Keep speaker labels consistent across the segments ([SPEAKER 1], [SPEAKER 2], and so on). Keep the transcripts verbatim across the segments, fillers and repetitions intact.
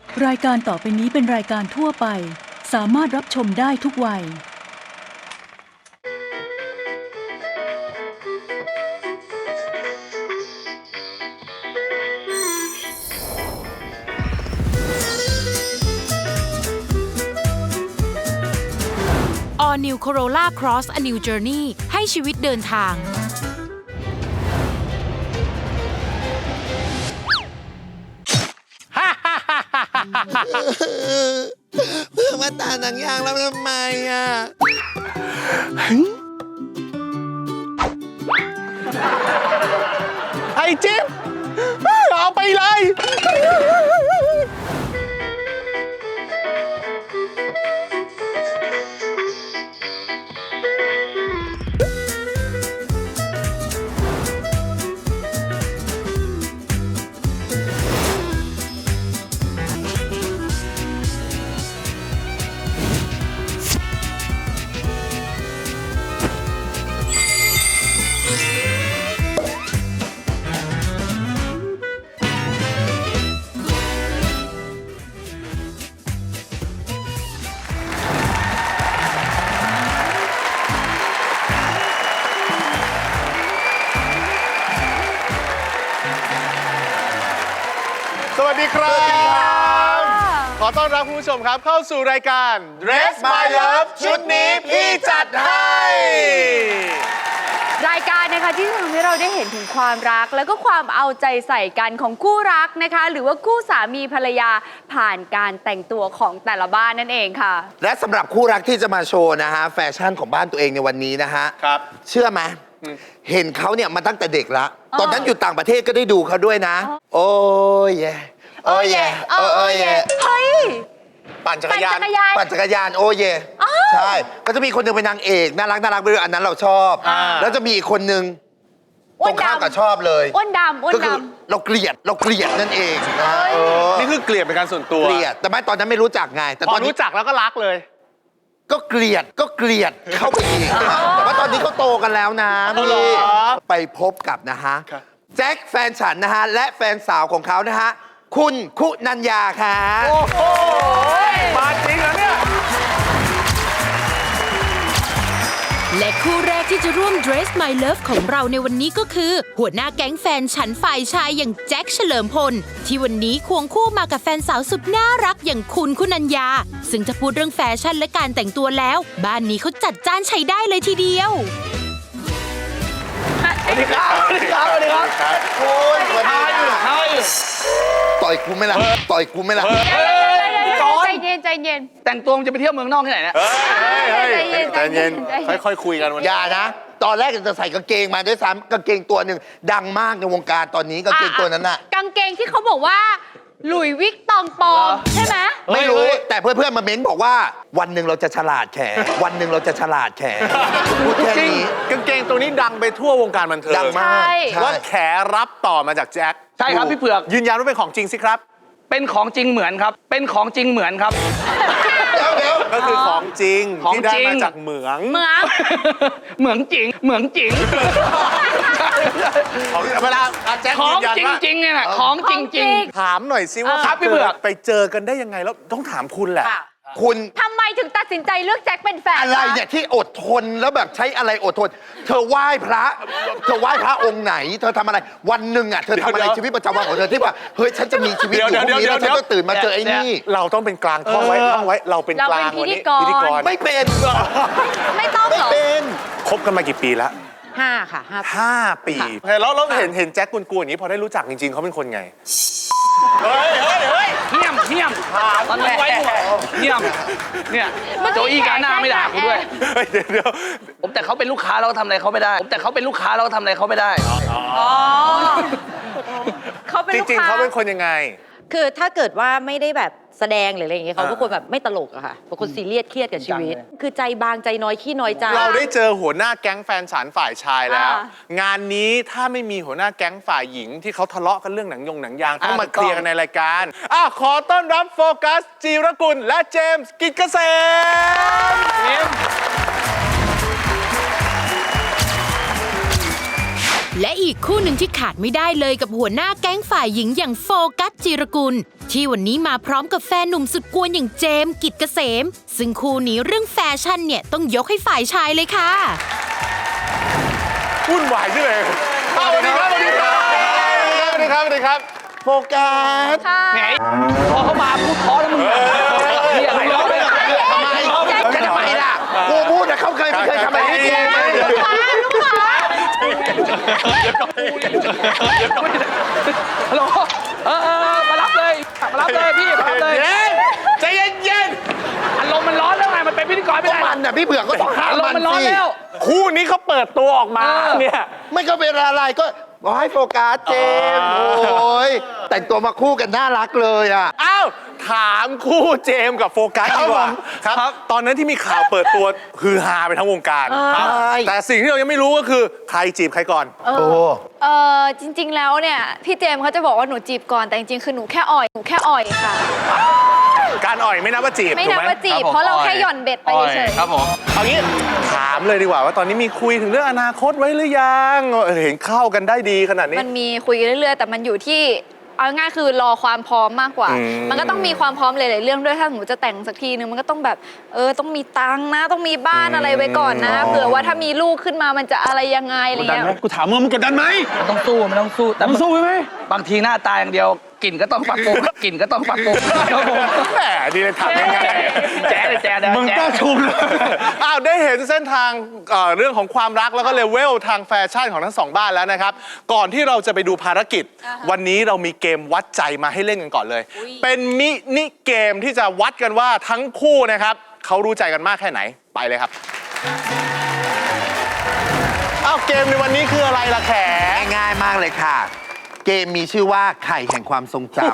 [SPEAKER 1] รายการต่อไปนี้เป็นรายการทั่วไปสามารถรับชมได้ทุกวัย
[SPEAKER 2] All New Corolla Cross A New Journey ให้ชีวิตเดินทาง
[SPEAKER 3] เพื่อมาตาหนังยางแล้วทำไมอ่ะไอ้จิ๊บเอาไปเลยสวัสดีครับ ขอต้อนรับคุณผู้ชมครับเข้าสู่รายการ Dress My Love ชุดนี้พี่จัดให้
[SPEAKER 4] รายการนะคะที่ทำให้เราได้เห็นถึงความรักแล้วก็ความเอาใจใส่กันของคู่รักนะคะหรือว่าคู่สามีภรรยาผ่านการแต่งตัวของแต่ละบ้านนั่นเองค่ะ
[SPEAKER 3] และสำหรับคู่รักที่จะมาโชว์นะฮะแฟชั่นของบ้านตัวเองในวันนี้นะฮะครับเชื่อไหมเห็นเขาเนี่ยมาตั้งแต่เด็กละตอนนั้นอยู่ต่างประเทศก็ได้ดูเขาด้วยนะโอ้ยเย่โอ้ยเย่โอ้ยเย่
[SPEAKER 4] เฮ้ย
[SPEAKER 3] ปั่นจักรยานปั่นจักรยานโอ้ยเย่ใช่ก็จะมีคนหนึ่งเป็นนางเอกน่ารักน่ารักไปด้วยอันนั้นเราชอบแล้วจะมีอีกคนนึงตรงข้ามกับชอบเลย
[SPEAKER 4] อ้วนดำอ้วนด
[SPEAKER 3] ำเราเกลียดเราเกลียดนั่นเองนะ
[SPEAKER 5] นี่คือเกลียดเป็นการส่วนตัว
[SPEAKER 3] เกลียดแต่ไม่ตอนนั้นไม่รู้จักไงแต่ตอน
[SPEAKER 5] รู้จักแล้วก็รักเลย
[SPEAKER 3] ก็เกลียดก็เกลียดเข้าไปอีกแต่ว่าตอนนี้เขาโตกันแล้วนะพี่ไปพบกับนะฮะแจ็คแฟนฉันนะฮะและแฟนสาวของเขานะฮะคุณคุณัญญาค่ะ
[SPEAKER 5] โอ้โหมาจริงแล้วเนี่ย
[SPEAKER 2] และคู่แรกที่จะร่วม Dress My Love ของเราในวันนี้ก็คือหัวหน้าแก๊งแฟนฉันฝ่ายชายอย่างแจ็คเฉลิมพลที่วันนี้ควงคู่มากับแฟนสาวสุดน่ารักอย่างคุณคุณัญญาซึ่งจะพูดเรื่องแฟชั่นและการแต่งตัวแล้วบ้านนี้เขาจัดจ้านใช้ได้เลยทีเดียว
[SPEAKER 5] สวัสดีครับสวัสดีครับสวัสดีครับ
[SPEAKER 3] คุณสวัสดีครับต่อยกูไม่ละต่อยกูไม่ละ
[SPEAKER 4] ใจเย็นใจเย็น
[SPEAKER 6] แต่งตัวจะไปเที่ยวเมืองนอกที่ไหนเนี่ย
[SPEAKER 4] ใจเย็นใจเย็น
[SPEAKER 5] ค่อยๆคุยกันวันนี้
[SPEAKER 3] อย่านะตอนแรกจะใส่กางเกงมาด้วยซ้ำกางเกงตัวหนึ่งดังมากในวงการตอนนี้กางเกงตัวนั้นน่ะ
[SPEAKER 4] กางเกงที่เขาบอกว่าหลุยวิกตองปองใช่ไหม
[SPEAKER 3] ไม่รู้แต่เพื่อนๆมาเม้นบอกว่าวันหนึ่งเราจะฉลาดแขวันหนึ่งเราจะฉลาดแขพูดแค่นี้
[SPEAKER 5] กางเกงตัวนี้ดังไปทั่ววงการบันเทิง
[SPEAKER 3] ดังมาก
[SPEAKER 5] ว่าแขรับต่อมาจากแจ็ค
[SPEAKER 6] ใช่ครับพี่เผือก
[SPEAKER 5] ยืนยันว่าเป็นของจริงสิครับ
[SPEAKER 6] เป็นของจริงเหมือนครับเป็นของจริงเหมือนครับ
[SPEAKER 3] เดี๋ยวเดี๋ยว
[SPEAKER 5] ก็คือของจริงที่ได้มาจากเหมือง
[SPEAKER 4] เหมือง
[SPEAKER 6] เหมืองจริงเหมืองจริง
[SPEAKER 5] เวลาแจ็ค
[SPEAKER 6] ของจริงจริงเนี่ยของจริงจริง
[SPEAKER 5] ถามหน่อยสิว่า
[SPEAKER 6] ครับพี่เผือก
[SPEAKER 5] ไปเจอกันได้ยังไงแล้วต้องถามคุณแหละ
[SPEAKER 3] คุณ
[SPEAKER 4] ทำไมถึงตัดสินใจเลือกแจ็คเป็นแฟน
[SPEAKER 3] อะไรเนี่ยที่อดทนแล้วแบบใช้อะไรอดทนเธอไหว้พระเธอไหว้พระองค์ไหนเธอทำอะไรวันหนึ่งอ่ะเธอทำอะไรชีวิตประจำวันของเธอที่ว่าเฮ้ยฉันจะมีชีวิตอยู่พรุ่งนี้แล้วฉันก็ตื่นมาเจอไอ้นี่
[SPEAKER 5] เราต้องเป็นกลางท่องไว้ท่องไว้เราเป็นกลาง
[SPEAKER 4] วันนี้
[SPEAKER 5] พิธีกร
[SPEAKER 3] ไม่เป็น
[SPEAKER 4] ไม่ต้องหรอ
[SPEAKER 3] ไม่เป็น
[SPEAKER 5] คบกันมากี่ปีแล้ว
[SPEAKER 4] ห้าค่ะ
[SPEAKER 5] ห้าปีแล้วเราเห็นเห็นแจ็คกุนๆอย่างนี้พอได้รู้จักจริงๆเขาเป็นคนไง
[SPEAKER 6] เฮ้ยเฮ้ยเฮ้ยเงียบเงียบตอนไว้เงียบเนี่ยโจอี้การหน้าไม่ด่ากูด้วย
[SPEAKER 5] เดี๋ยวเดี๋ยว
[SPEAKER 6] ผมแต่เขาเป็นลูกค้าเราทำอะไรเขาไม่ได้ผมแต่เขาเป็นลูกค้าเราทำอะไรเขาไม่ได้
[SPEAKER 4] อ๋อเขาเป็น
[SPEAKER 5] จริงๆเขาเป็นคนยังไง
[SPEAKER 7] คือถ้าเกิดว่าไม่ได้แบบแสดงหรืออะไรอย่างเงี้ยเขาก็คนแบบไม่ตลกอะค่ะเป็นคนซีเรียสเครียดกับชีวิตคือใจบางใจน้อยขี้น้อยใจ
[SPEAKER 5] เราได้เจอหัวหน้าแก๊งแฟนฉันฝ่ายชายแล้วงานนี้ถ้าไม่มีหัวหน้าแก๊งฝ่ายหญิงที่เขาทะเลาะกันเรื่องหนังยงหนังยางต้องมาเคลียร์กันในรายการอ่ะขอต้อนรับโฟกัสจีรกุลและเจมส์กิจเกษม
[SPEAKER 2] และอีกคู่หนึ่งที่ขาดไม่ได้เลยกับหัวหน้าแก๊งฝ่ายหญิงอย่างโฟกัสจิรกุลที่วันนี้มาพร้อมกับแฟนหนุ่มสุดกวนอย่างเจมส์กิจเกษมซึ่งคู่นี้เรื่องแฟชั่นเนี่ยต้องยกให้ฝ่ายชายเลยค่ะ
[SPEAKER 5] วุ่นวายใช่ไหมสวัสดีครับสวัสดีครับสวัสดีครับสวัสดีครับโฟกัส
[SPEAKER 6] ไงพอเขามาพูดเพราะแล้วมึงเรียกอะไรร้องเลย
[SPEAKER 3] ทำไมจะทำไมล่ะกูพูดแต่เขาเคยไม่เคยทำอะไรให้กูไหม
[SPEAKER 6] ฮัลโหลเออเออมารับเลยมารับเลยพี่มารับเลย
[SPEAKER 5] เย็นใจเย็นเย็น
[SPEAKER 6] อารมณ์มันร้อนแล้วไงมันเป็นพิธีกรไม่
[SPEAKER 3] ก็
[SPEAKER 6] ได้
[SPEAKER 3] มันน่ะพี่เบื่อก็ต้องห้าม
[SPEAKER 6] อารม
[SPEAKER 3] มั
[SPEAKER 6] ณ์
[SPEAKER 3] น
[SPEAKER 6] มันร้อน
[SPEAKER 3] สิ
[SPEAKER 6] แล้ว
[SPEAKER 5] คู่นี้เขาเปิดตัวออกมา
[SPEAKER 6] เออ
[SPEAKER 5] เนี่ย
[SPEAKER 3] ไม่ก็เป็นอะไรก็บอกให้โฟกัสเจมส์โอ้ยแต่งตัวมาคู่กันน่ารักเลยอ่ะ
[SPEAKER 5] อ้าวถามคู่เจมส์กับโฟกัสดีกว่าครับ ตอนนั้นที่มีข่าวเปิดตัวฮือฮาไปทั้งวงการครับ
[SPEAKER 3] ใช่
[SPEAKER 5] แต่สิ่งที่เรายังไม่รู้ก็คือใครจีบใครก่อน
[SPEAKER 3] โอ้
[SPEAKER 4] เออจริง ๆ แล้วเนี่ยพี่เจมส์เขาจะบอกว่าหนูจีบก่อนแต่จริงๆคือหนูแค่อ่อยหนูแค่อ่อยค่ะ
[SPEAKER 5] การอ่อยไม่นับว่าจีบ
[SPEAKER 4] ไม่
[SPEAKER 5] ถู
[SPEAKER 4] นั
[SPEAKER 5] ก
[SPEAKER 4] บ
[SPEAKER 5] ไหม
[SPEAKER 4] ว่าจีบเพราะเราแค่หย่อนเบ็ดไปเฉยๆ
[SPEAKER 6] ครับผม
[SPEAKER 5] เอางี้ถามเลยดีกว่าว่าตอนนี้มีคุยถึงเรื่องอนาคตไว้หรือยังเห็นเข้ากันได้ดีขนาดนี้
[SPEAKER 4] มันมีคุยเรื่อยๆแต่มันอยู่ที่เอาง่ายๆคือรอความพร้อมมากกว่า
[SPEAKER 5] อืม
[SPEAKER 4] มันก็ต้องมีความพร้อมหลายๆเรื่องด้วยถ้าหนูจะแต่งสักทีนึงมันก็ต้องแบบเออต้องมีตังค์นะต้องมีบ้านอะไรไว้ก่อนนะเผื่อว่าถ้ามีลูกขึ้นมามันจะอะไรยังไงอะไร
[SPEAKER 6] กดดัน
[SPEAKER 4] เงี้ย
[SPEAKER 6] ไหมกูถามมึงมันกดดันไหมมันต้องสู้มันต้องสู้แต่มันสู้ไหมบางทีหน้าตาอย่างเดียวกลิ่นก็ต้องปรับปรุงกลิ่นก็ต้องปรับปรุงครับผม
[SPEAKER 5] แหมดีเลยถามง่ายๆ
[SPEAKER 6] แจ๊ดเลยแจ๊ดเลย
[SPEAKER 5] มึงกล้าชมเลยอ้าวได้เห็นเส้นทางเอ่อเรื่องของความรักแล้วก็เลเวลทางแฟชั่นของทั้งสองบ้านแล้วนะครับ ก่อนที่เราจะไปดูภารกิจ วันนี้เรามีเกมวัดใจมาให้เล่นกันก่อนเลย เป็นมินิเกมที่จะวัดกันว่าทั้งคู่นะครับเขารู้ใจกันมากแค่ไหนไปเลยครับอ้าวเกมในวันนี้คืออะไรล่ะแข
[SPEAKER 3] ง่ายๆมากเลยค่ะ เกมมีชื่อว่าไข่แห่งความทรงจำ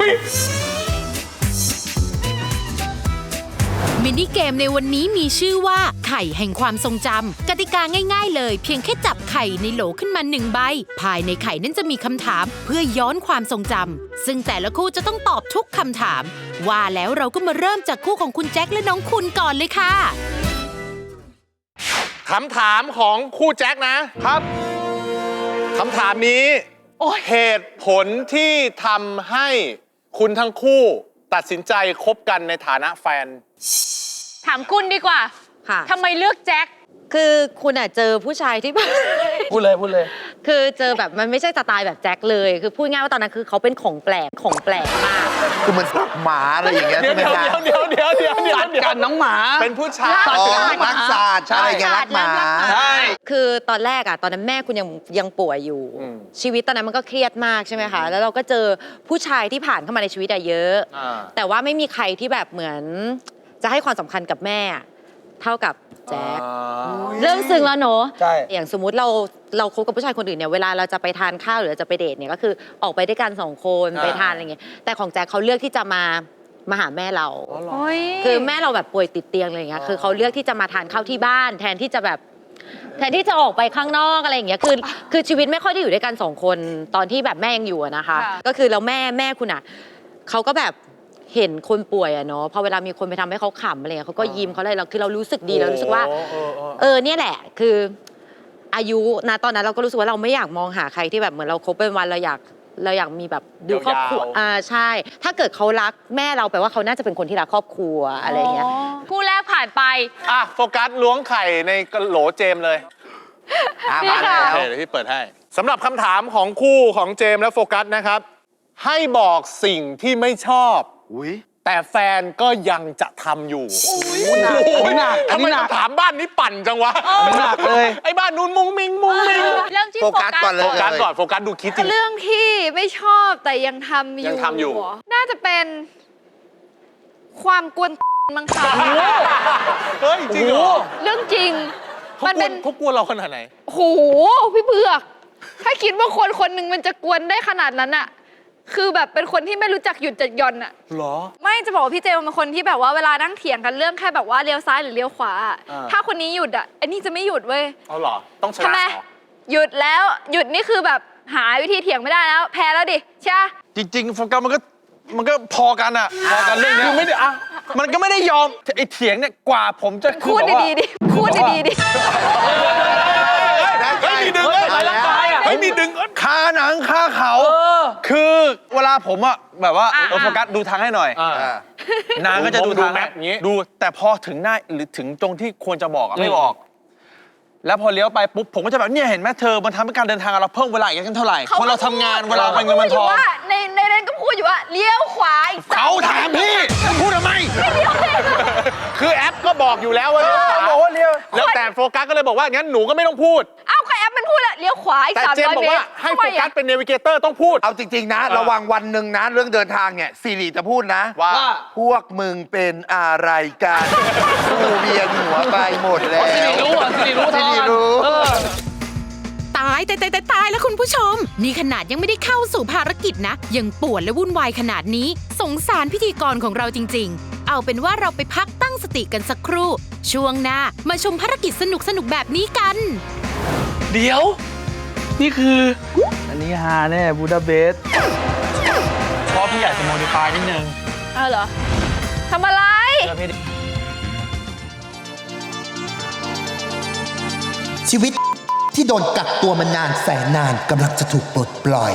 [SPEAKER 2] มินิเกมในวันนี้มีชื่อว่าไข่แห่งความทรงจำกติกาง่ายๆเลยเพียงแค่จับไข่ในโหลขึ้นมาหนึ่งใบภายในไข่นั้นจะมีคำถามเพื่อย้อนความทรงจำซึ่งแต่ละคู่จะต้องตอบทุกคำถามว่าแล้วเราก็มาเริ่มจากคู่ของคุณแจ็คและน้องคุณก่อนเลยค่ะ
[SPEAKER 5] คำถามของคู่แจ็คนะครับคำถามนี้เหตุผลที่ทำให้คุณทั้งคู่ตัดสินใจคบกันในฐานะแฟน
[SPEAKER 4] ถามคุณดีกว่า
[SPEAKER 7] ค่ะ
[SPEAKER 4] ทำไมเลือกแจ็ค
[SPEAKER 7] คือคุณอ่ะเจอผู้ชายที่
[SPEAKER 6] พูดเลยพูดเลย
[SPEAKER 7] คือเจอแบบมันไม่ใช่สไตล์แบบแจ็คเลย คือพูดง่ายว่าตอนนั้นคือเขาเป็นของแปลกของแปลกมาก
[SPEAKER 3] คือมันสักหมาอะไรอย่างเงี้ย
[SPEAKER 5] เดี๋ย
[SPEAKER 3] ใช่
[SPEAKER 5] ว
[SPEAKER 3] ไหม
[SPEAKER 5] เดี๋ยว
[SPEAKER 3] คะ
[SPEAKER 5] เดี๋ยวเดี๋ยวเดี๋ยวเดี๋ยว
[SPEAKER 6] สัตว์กันน้องหมา
[SPEAKER 5] เป็นผู้ชาย
[SPEAKER 3] อ๋อรักสัตว์อะไรอย่างเงี้ยรักหมา
[SPEAKER 6] ใช่
[SPEAKER 7] คือตอนแรกอ่ะตอนนั้นแม่คุณยังยังป่วยอยู่
[SPEAKER 5] อืม
[SPEAKER 7] ชีวิตตอนนั้นมันก็เครียดมากใช่ไหมคะ แล้วเราก็เจอผู้ชายที่ผ่านเข้ามาในชีวิตอะเยอะ
[SPEAKER 5] อ่า
[SPEAKER 7] แต่ว่าไม่มีใครที่แบบเหมือนจะให้ความสำคัญกับแม่เท่ากับแจ๊ค เรื่องซึ้งแล้วเนอะ
[SPEAKER 6] ใช่
[SPEAKER 7] อย่างสมมุติเราเราคบกับผู้ชายคนอื่นเนี่ยเวลาเราจะไปทานข้าวหรือจะไปเดทเนี่ยก็คือออกไปด้วยกันสองคน
[SPEAKER 5] อ่า
[SPEAKER 7] ไปทานอะไรเงี้ยแต่ของแจ็คเขาเลือกที่จะมามาหาแม่เรา
[SPEAKER 4] โอ้ย
[SPEAKER 7] คือแม่เราแบบป่วยติดเตียงอะไรอย่างเงี้ยคือเขาเลือกที่จะมาทานข้าวที่บ้าน แทนที่จะแบบแทนที่จะออกไปข้างนอกอะไรอย่างเงี้ยคือคือชีวิตไม่ค่อยได้อยู่ด้วยกันสองคนตอนที่แบบแม่ยังอยู่อะนะคะ ก็คือแล้วแม่แม่คุณอ่ะเขาก็แบบเห็นคนป่วยอะเนาะพอเวลามีคนไปทำให้เขาขำอะไรเงี้ยเขาก็ยิ้มเขาอะไรเราคือเรารู้สึกดีเรารู้สึกว่า
[SPEAKER 5] โอ้โอ้โอ้
[SPEAKER 7] เออเนี่ยแหละคืออายุนะตอนนั้นเราก็รู้สึกว่าเราไม่อยากมองหาใครที่แบบเหมือนเราคบเป็นวันเราอยากเราอยากมีแบบดูครอบครัวอ่าใช่ ถ้าเกิดเขารักแม่เราแปลว่าเขาน่าจะเป็นคนที่รักครอบครัวอะไรอย่างเงี้ย
[SPEAKER 4] คู่แรกผ่านไป
[SPEAKER 5] อ่ะโฟกัสล้วงไข่ในกระโหลเจมส์เลย
[SPEAKER 3] อ่ะ
[SPEAKER 4] นี่
[SPEAKER 3] มา
[SPEAKER 4] ค่ะ
[SPEAKER 3] แล้ว
[SPEAKER 5] โอเคเดี๋ยวพี่เปิดให้สำหรับคำถามของคู่ของเจมส์และโฟกัสนะครับ ให้บอกสิ่งที่ไม่ชอบ
[SPEAKER 3] อุ้ย
[SPEAKER 5] แต่แฟนก็ยังจะทำอยู่
[SPEAKER 6] หนักอันนี้หนักอัน
[SPEAKER 5] ทำไม
[SPEAKER 6] นี้หนัก
[SPEAKER 5] คำถามบ้านนี้ปั่นจังวะ
[SPEAKER 6] อันนี้หนักเลย
[SPEAKER 5] ไอ้บ้านนู้นมุ้งมิงมุ้งมิง
[SPEAKER 4] เริ่มที่
[SPEAKER 3] โฟ
[SPEAKER 4] โฟ
[SPEAKER 3] กั
[SPEAKER 4] กั
[SPEAKER 3] ส
[SPEAKER 4] ส
[SPEAKER 3] ก่อนเลย
[SPEAKER 5] โฟกัสก่อนโฟกัสดูคิดจริง
[SPEAKER 4] เรื่องที่ไม่ชอบแต่ยังทำอยู่
[SPEAKER 5] ยังทำอยู่
[SPEAKER 4] น่าจะเป็น ความกวนมั้งคะ
[SPEAKER 5] เฮ้ยจริงเหรอ
[SPEAKER 4] เรื่องจริง
[SPEAKER 5] เขา
[SPEAKER 4] มัน
[SPEAKER 5] กว
[SPEAKER 4] เป็น น
[SPEAKER 5] เขากลัวเราขนาดไหน
[SPEAKER 4] โหพี่เบือก ถ้าคิดว่าคนคนหนึ่งมันจะกวนได้ขนาดนั้นอะคือแบบเป็นคนที่ไม่รู้จักหยุดจัดหย่อนอะ
[SPEAKER 5] เหรอ
[SPEAKER 4] ไม่จะบอกว่าพี่เจมเป็นคนที่แบบว่าเวลานั่งเถียงกันเรื่องแค่แบบว่าเลี้ยวซ้ายหรือเลี้ยวขวาอะ
[SPEAKER 5] อ่า
[SPEAKER 4] ถ้าคนนี้หยุดอะไอ้นี่จะไม่หยุดเว้ย
[SPEAKER 5] เอาเหรอ ต้องช
[SPEAKER 4] ทำ
[SPEAKER 5] นะ
[SPEAKER 4] ไม
[SPEAKER 5] เหรอ
[SPEAKER 4] หยุดแล้วหยุดนี่คือแบบหาวิธีเถียงไม่ได้แล้ว แพ้แล้วดิใช่ปะ
[SPEAKER 6] จริงๆโฟกัสมันก็มันก็พอกันอะพอกันเรื่องเนี้ยคือไม่ได้อะมันก็ไม่ได้ยอมไอ้เถียงเนี่ยกว่าผมจะคือ
[SPEAKER 4] พูด
[SPEAKER 6] แบบว่า
[SPEAKER 4] ดีๆดิพูดดีๆดิ
[SPEAKER 5] เฮ้ยมีดึงเลย
[SPEAKER 6] ร่างกายอะ
[SPEAKER 5] เฮ้ยนี่ดึง
[SPEAKER 6] คาหนังคาเขา คือเวลาผมอะแบบว่า
[SPEAKER 4] อ่ะ
[SPEAKER 6] เออโฟกัสดูทางให้หน่อย
[SPEAKER 5] อ่า
[SPEAKER 6] นางก็จะดู
[SPEAKER 5] ดู
[SPEAKER 6] ทาง
[SPEAKER 5] แมพอย่างงี้
[SPEAKER 6] ดูแต่พอถึงหน้าหรือถึงตรงที่ควรจะบอกอะไม่บอก แล้วพอเลี้ยวไปปุ๊บผมก็จะแบบเนี่ยเห็นไหมเธอมันทำให้การเดินทางเราเพิ่มเวลาอีกกันเท่าไหร่คนเราทำงานเวลาไปเงินมันทอง
[SPEAKER 4] ขาพูดยู่ว่าในในนั้นก็พูดอยู่ว่าเลี้ยวขวาอีก
[SPEAKER 6] เขาถามพี่พูดทำไม
[SPEAKER 5] คือแอปก็บอกอยู่แล้วว่าเลี้ยวขวา
[SPEAKER 6] บอกว่าเลี้ยว
[SPEAKER 5] แล้วแต่โฟกัสก็เลยบอกว่างั้นหนูก็ไม่ต้องพูด
[SPEAKER 4] เอ้าใครแอปมันพูดอะเลี้ยวขวาอีก
[SPEAKER 5] แต่
[SPEAKER 4] สาม
[SPEAKER 5] เจม
[SPEAKER 4] ร้อย
[SPEAKER 5] บอก
[SPEAKER 4] เมต
[SPEAKER 5] ว่าร ให้โฟ
[SPEAKER 4] ทำไม
[SPEAKER 5] กั
[SPEAKER 4] อะ
[SPEAKER 5] สเป็นเนวิเกเตอร์ต้องพูด
[SPEAKER 3] เอาจริง ๆ นะ ระวังวันหนึ่งนะ เรื่องเดินทางเนี่ยซีรีจะพูดนะ
[SPEAKER 5] ว่า
[SPEAKER 3] พวกมึงเป็นอะไรกันกูเวียนหัวไปหมดแล้ว
[SPEAKER 6] สิริรู้อ่ะสิริรู้
[SPEAKER 3] สิ
[SPEAKER 6] ทอ
[SPEAKER 3] ริ
[SPEAKER 6] น
[SPEAKER 3] รู้
[SPEAKER 6] เออ
[SPEAKER 2] ตายตายตายตายตายแล้วคุณผู้ชม นี่ขนาดยังไม่ได้เข้าสู่ภารกิจนะ ยังปวดและวุ่นวายขนาดนี้ สงสารพิธีกรของเราจริงๆ เอาเป็นว่าเราไปพักตั้งสติกันสักครู่ ช่วงหน้ามาชมภารกิจสนุกสนุกๆแบบนี้กัน
[SPEAKER 6] เดี๋ยว นี่คือ อันนี้ฮาแน่บูดาเปสต์เพราะพี่อยากจะโมดิฟายนิดนึง
[SPEAKER 4] เอาเหรอทำอะไร
[SPEAKER 6] เพื่อพี่
[SPEAKER 3] ชีวิตที่โดนกักตัวมานานแสนนานกำลังจะถูกปลดปล่อย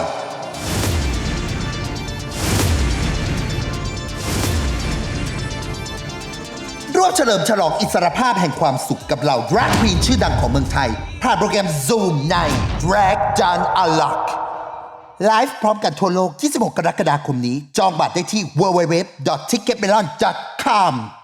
[SPEAKER 3] ร่วมเฉลิมฉลองอิสรภาพแห่งความสุขกับเหล่า Drag Queen ชื่อดังของเมืองไทย ผ่านโปรแกรม Zoom ใน Drag Done Unlock ไลฟ์พร้อมกันทั่วโลก ยี่สิบหก กรกฎาคมนี้ จองบัตรได้ที่ ดับเบิลยู ดับเบิลยู ดับเบิลยู ดอท ทิกเก็ตเมลอน ดอท คอม